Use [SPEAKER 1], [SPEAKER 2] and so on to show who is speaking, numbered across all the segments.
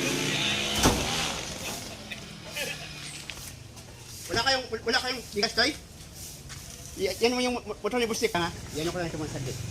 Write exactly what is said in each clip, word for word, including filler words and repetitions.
[SPEAKER 1] Wala kayong, wala kayong bigas, Toy? Y- yan mo yung motor ni Bustik, ha? Yan ko lang ito mga saglit.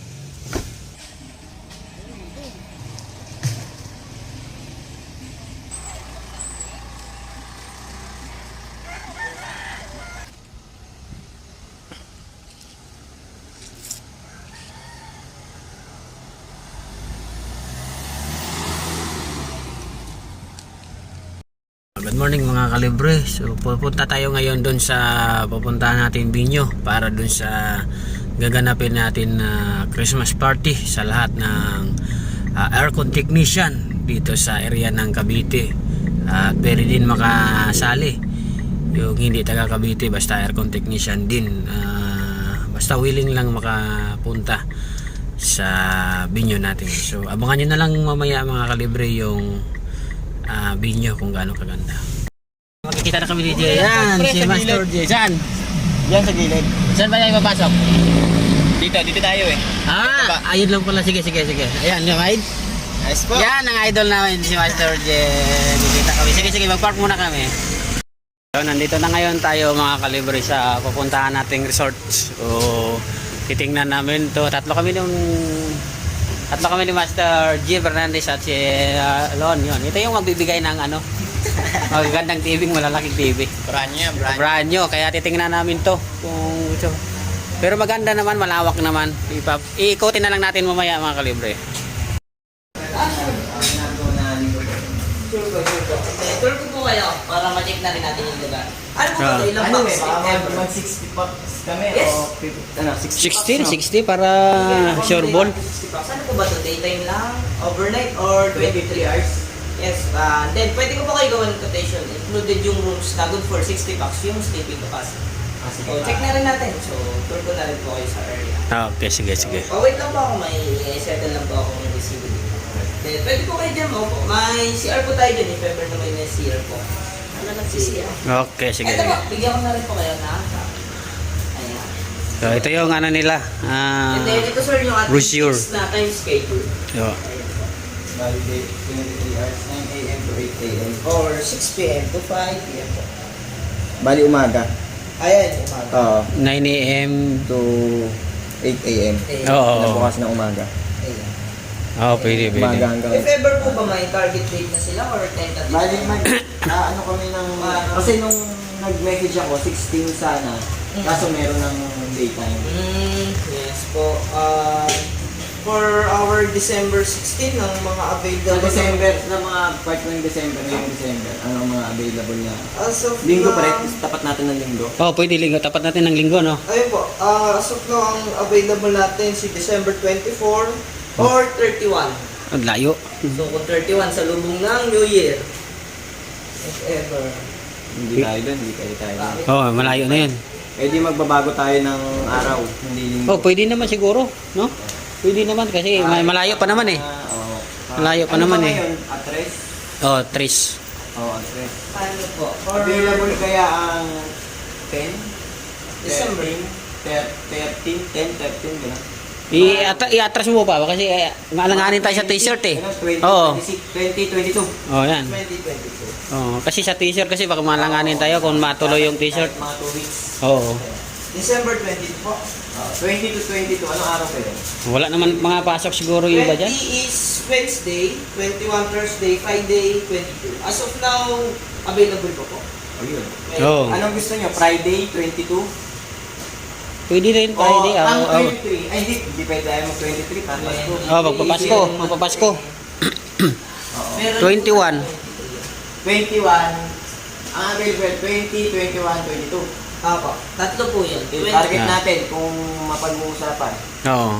[SPEAKER 2] Good morning mga kalibre. So pupunta tayo ngayon doon sa pupuntahan natin Binyo para doon sa gaganapin natin na uh, Christmas party sa lahat ng uh, aircon technician dito sa area ng Cavite. At uh, pwede din makasali yung hindi taga Cavite, basta aircon technician din, uh, basta willing lang makapunta sa Binyo natin. So abangan nyo na lang mamaya mga kalibre yung Uh, Binyo kung gaano kaganda. Makikita na kami ni Jay. Yan, si Master Jay. Saan?
[SPEAKER 1] Yan sa gilid.
[SPEAKER 2] Saan ba tayo papasok?
[SPEAKER 3] Dito, dito tayo eh.
[SPEAKER 2] Ah, ayun lang pala. Sige, sige, sige. Ayan, yung idol.
[SPEAKER 3] Nice po.
[SPEAKER 2] Yan, ang idol namin, si Master Jay. Nakikita kami. Sige, sige, mag-park muna kami. So, nandito na ngayon tayo mga kalibre sa pupuntahan nating resort. So, titingnan namin to. Tatlo kami nung Tatlo kami ni Master G. Fernandez at si uh, Lon. Yun. Ito yung magbibigay ng ano, magagandang T V, malalaking T V.
[SPEAKER 3] Brand new, brand new.
[SPEAKER 2] Brand new. Kaya titingnan namin to kung ito. Pero maganda naman, malawak naman. Ipap iikutin na lang natin mamaya mga kalibre.
[SPEAKER 4] Tour ko po kayo para ma-check na rin natin yung lugar. Ano po ba ito? Ilang
[SPEAKER 3] Ano
[SPEAKER 4] bucks?
[SPEAKER 3] eh, baka mag sixty bucks kami
[SPEAKER 4] Yes.
[SPEAKER 3] o fifty, ano, sixty
[SPEAKER 2] sixteen,
[SPEAKER 3] bucks, no?
[SPEAKER 2] sixty para sure ball.
[SPEAKER 4] sixty bucks. Ano po ba ito? Daytime lang? Overnight? Or twenty-three hours? Yes. Uh, then, pwede ko po kayo gawin ng quotation. Included yung rooms na good for sixty bucks yung sleeping capacity.
[SPEAKER 3] Ah, sige.
[SPEAKER 4] So, check na rin natin. So, tour ko na rin po kayo sa area.
[SPEAKER 2] Ah, okay, sige, sige.
[SPEAKER 4] Oh, wait lang po ako. May settle lang po ako ng receiver dito. Then, pwede po kayo dyan mo. May C R po tayo dyan. If ever na may may C R po. Ano lang si C R?
[SPEAKER 2] Okay, sige,
[SPEAKER 4] Ito
[SPEAKER 2] sige.
[SPEAKER 4] po, bigyan ko na rin po kayo na. Ayan.
[SPEAKER 2] So, ito yung ano nila. Ah,
[SPEAKER 4] And then, ito sir yung ating
[SPEAKER 2] brochure.
[SPEAKER 4] fixed na time schedule.
[SPEAKER 2] Yo.
[SPEAKER 4] Ayan po.
[SPEAKER 3] Validate twenty-three hours, nine A M to eight A M.
[SPEAKER 4] Or six P M to five P M po.
[SPEAKER 3] Bali umaga.
[SPEAKER 4] Ayan, umaga.
[SPEAKER 3] Oo.
[SPEAKER 2] nine A M
[SPEAKER 3] To eight A M.
[SPEAKER 4] Ayan.
[SPEAKER 2] Oo.
[SPEAKER 3] Bukas na umaga.
[SPEAKER 4] Ayan.
[SPEAKER 2] Oh, pwede,
[SPEAKER 3] Umaga
[SPEAKER 2] pwede.
[SPEAKER 3] hanggang...
[SPEAKER 4] If ever po ba may target date na sila or tentative?
[SPEAKER 3] Bali mag... ah, ano kami ng... Kasi nung nag-message ako, sixteen sana. Kaso meron ng daytime.
[SPEAKER 4] Mm, yes po. Uh, for our December sixteen, ang mga
[SPEAKER 3] Sa
[SPEAKER 4] available...
[SPEAKER 3] December, sa mga part ng December, ngayong December, ano ang mga available na...
[SPEAKER 4] As of
[SPEAKER 3] Linggo
[SPEAKER 4] now-
[SPEAKER 3] pa rin, tapat natin ng linggo.
[SPEAKER 2] Oh, pwede linggo. Tapat natin ng linggo, no?
[SPEAKER 4] Ayun po, uh, as of now, ang available natin si December twenty-four or thirty-one.
[SPEAKER 2] Ang layo.
[SPEAKER 4] So, kung thirty-one sa lubong ng New Year, if ever.
[SPEAKER 3] Hindi tayo doon, hindi kayo tayo doon.
[SPEAKER 2] Oh, malayo na yun.
[SPEAKER 3] Eh di magbabago tayo ng araw, hindi linggo.
[SPEAKER 2] Oh, pwede naman siguro, no? Pwede naman kasi may malayo pa naman eh.
[SPEAKER 3] Ah, oo.
[SPEAKER 2] Malayo pa
[SPEAKER 3] Ano
[SPEAKER 2] naman
[SPEAKER 3] ba
[SPEAKER 2] eh.
[SPEAKER 3] ngayon? Atres?
[SPEAKER 2] Oh, Tris.
[SPEAKER 3] Oo, atres.
[SPEAKER 4] Ano po? For
[SPEAKER 3] Available kaya ang ten?
[SPEAKER 4] December.
[SPEAKER 3] thirteen, ten, thirteen, gano'n.
[SPEAKER 2] I-atra- I-atras mo pa ba? Kasi eh, maalanganin tayo sa t-shirt eh. Oo.
[SPEAKER 3] twenty, twenty-two.
[SPEAKER 2] Oh, yan.
[SPEAKER 4] twenty twenty-two.
[SPEAKER 2] Oh, kasi sa t-shirt kasi baka maalanganin tayo kung matuloy yung t-shirt.
[SPEAKER 3] Mga two weeks.
[SPEAKER 2] Oo.
[SPEAKER 4] December twenty po.
[SPEAKER 3] Ah, twenty to twenty-two, anong araw kayo?
[SPEAKER 2] Wala naman mga pasok siguro yung iba dyan.
[SPEAKER 4] twenty is Wednesday, twenty-one Thursday, Friday, twenty-two. As of now, available po po.
[SPEAKER 3] Oh, yun.
[SPEAKER 2] Oo.
[SPEAKER 3] Anong gusto nyo? Friday, twenty-two?
[SPEAKER 2] Pwede rin Friday.
[SPEAKER 3] O, ang
[SPEAKER 2] Oh, oh.
[SPEAKER 3] twenty-three. Ay, hindi. Hindi pwede tayo mag-twenty-three. Pampasko.
[SPEAKER 2] Oh, magpapasko. Magpapasko.
[SPEAKER 4] Meron
[SPEAKER 2] twenty-one.
[SPEAKER 3] twenty-one. Ang available, twenty, twenty-one, twenty-two.
[SPEAKER 4] Apo, tatlo po yun.
[SPEAKER 3] Yung target
[SPEAKER 2] Ah.
[SPEAKER 3] natin kung mapag-uusapan.
[SPEAKER 2] Oo.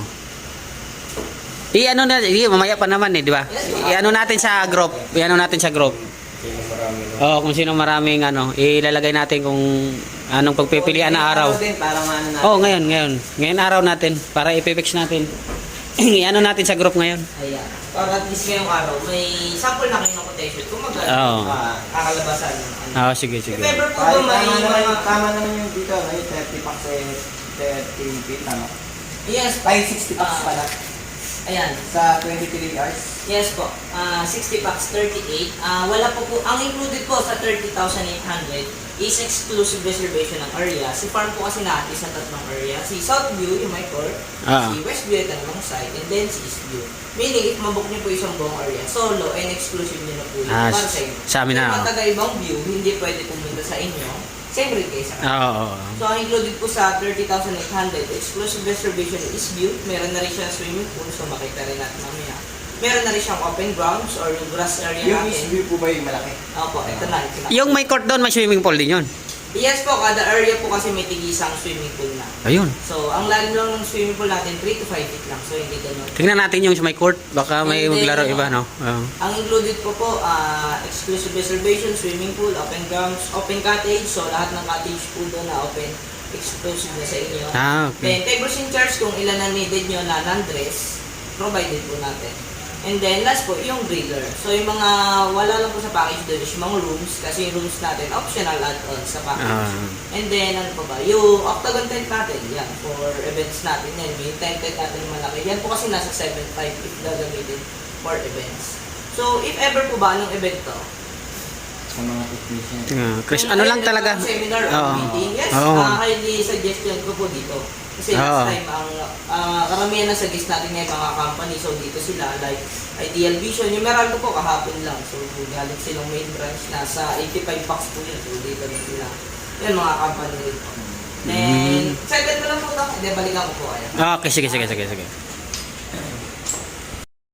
[SPEAKER 2] I-ano na, i mamaya pa naman eh, di ba? I-ano natin sa group. I-ano natin sa group. Oo, kung sino maraming ano, ilalagay natin kung anong pagpipilian na araw.
[SPEAKER 3] Din, para maano natin.
[SPEAKER 2] Oh, ngayon, ngayon. Ngayon araw natin para i-fix natin. I-ano natin sa group ngayon.
[SPEAKER 4] Ayan. Para at least ngayong araw, may sample na kayo ng quotation. Kung magkano
[SPEAKER 2] Oo.
[SPEAKER 3] Ah,
[SPEAKER 4] kakalabasan ng ano.
[SPEAKER 2] Ah, sige,
[SPEAKER 4] If
[SPEAKER 2] sige.
[SPEAKER 4] ever po
[SPEAKER 3] Kahit
[SPEAKER 4] ba may
[SPEAKER 3] tama naman,
[SPEAKER 4] mga...
[SPEAKER 3] tama naman yung dito, no? Yung thirty packs eh, thirty feet, tama?
[SPEAKER 4] Yes,
[SPEAKER 3] Ay, sixty packs
[SPEAKER 4] Ah.
[SPEAKER 3] pala.
[SPEAKER 4] Ayan.
[SPEAKER 3] Sa twenty-three hours.
[SPEAKER 4] Yes po. Ah, sixty packs, thirty-eight. Ah, wala po po. Ang included po sa thirty thousand eight hundred is exclusive reservation ng area. Si farm po kasi natin sa tatlong area. Si South View, yung my court.
[SPEAKER 2] Ah.
[SPEAKER 4] Si West View, ito namang side. And then si East View. Meaning, if mabook niyo po isang buong area, solo and exclusive niyo na po yun.
[SPEAKER 2] Ah,
[SPEAKER 4] para sa inyo.
[SPEAKER 2] sa amin na,
[SPEAKER 4] Kung
[SPEAKER 2] oh.
[SPEAKER 4] mga taga-ibang view, hindi pwede pumunta sa inyo. Same rate kayo sa kanila.
[SPEAKER 2] Oo. oo, oo.
[SPEAKER 4] So, ang included po sa thirty thousand eight hundred, exclusive reservation is view. Meron na rin siyang swimming pool, so makita rin natin mamaya. Meron na rin siyang open grounds or yung grass area
[SPEAKER 3] Yung
[SPEAKER 4] natin.
[SPEAKER 3] East View po ba yung malaki?
[SPEAKER 4] Opo, ito na. Ito na.
[SPEAKER 2] Yung may court doon, may swimming pool din yun.
[SPEAKER 4] Yes po, kada area po kasi may tigisang swimming pool na.
[SPEAKER 2] Ayun.
[SPEAKER 4] So, ang lalim lang ng swimming pool natin, three to five feet lang. So, hindi ganun.
[SPEAKER 2] Tingnan natin yung sa may court. Baka may
[SPEAKER 4] Hindi,
[SPEAKER 2] maglaro
[SPEAKER 4] no.
[SPEAKER 2] iba, no? Oo.
[SPEAKER 4] Ang included po po, ah, exclusive reservation, swimming pool, open grounds, open cottage. So, lahat ng cottage pool doon na open, exclusive na sa inyo.
[SPEAKER 2] Ah,
[SPEAKER 4] Then,
[SPEAKER 2] okay.
[SPEAKER 4] tables and chairs kung ilan na needed nyo na non-dress, provided po natin. And then, last po, yung griller. So, yung mga wala lang po sa package doon is yung mga rooms, kasi yung rooms natin, optional add-on sa package.
[SPEAKER 2] Ah.
[SPEAKER 4] And then, ano pa ba? Yung octagon tent natin, yan, for events natin yan. Yung tent tent natin yung malaki. Yan po kasi nasa seven five if gagamitin for events. So, if ever po ba, anong event to?
[SPEAKER 3] Sa mga technician.
[SPEAKER 2] Ah, Chris,
[SPEAKER 4] Kung
[SPEAKER 2] ano lang
[SPEAKER 4] event
[SPEAKER 2] talaga?
[SPEAKER 4] ng Seminar or
[SPEAKER 2] Oo.
[SPEAKER 4] meeting, yes,
[SPEAKER 2] Oo.
[SPEAKER 4] ah, highly suggestion ko po dito. Kasi last
[SPEAKER 2] Oo.
[SPEAKER 4] time, ang ah, karamihan na suggest natin ngayon mga company, so dito sila, like Ideal Vision, yung Meralco po kahapon lang, so galing silang main branch, nasa eighty-five bucks po yun, so dito na sila. Yan mga company rin po. Then,
[SPEAKER 2] Mm.
[SPEAKER 4] excited mo lang po ito, hindi, balikan ko po kayo.
[SPEAKER 2] Ah, Okay, sige, sige, sige, sige.